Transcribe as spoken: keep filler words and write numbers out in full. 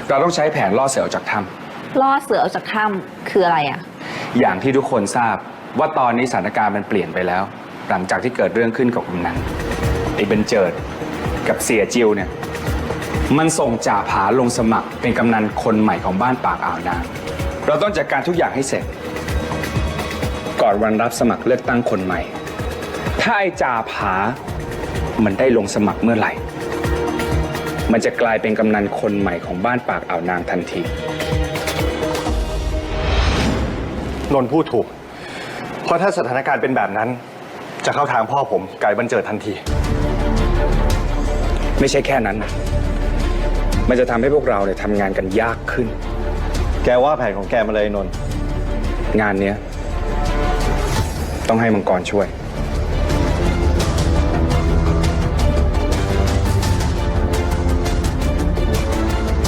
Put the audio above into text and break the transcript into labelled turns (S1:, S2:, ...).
S1: เราต้องใช้แผนล่อเสือออกจากถ้
S2: ำล่อเสือออกจากถ้ำคืออะไรอ่ะ
S1: อย่างที่ทุกคนทราบว่าตอนนี้สถานการณ์มันเปลี่ยนไปแล้ว หลังจากที่เกิดเรื่องขึ้นกับกำนันไอ้เบนเจิดกับเสียจิวเนี่ยมันส่งจ่าผาลงสมัครเป็นกำนันคนใหม่ของบ้านปากอ่าวนางเราต้องจัดการทุกอย่างให้เสร็จก่อนวันรับสมัครเลือกตั้งคนใหม่ถ้าไอ้จ่าผามันได้ลงสมัครเมื่อไหร่มันจะกลายเป็นกำนันคนใหม่ของบ้านปากอ่าวนางทันที
S3: นนท์พูดถูกเพราะถ้าสถานการณ์เป็นแบบนั้นจะเข้าทางพ่อผมไก่บรรเจิดทันที
S1: ไม่ใช่แค่นั้นมันจะทำให้พวกเราเนี่ยทำงานกันยากขึ้น
S3: แกว่าแผนของแกมาเลยนนท์
S1: งานเนี้ยต้องให้มังกรช่วย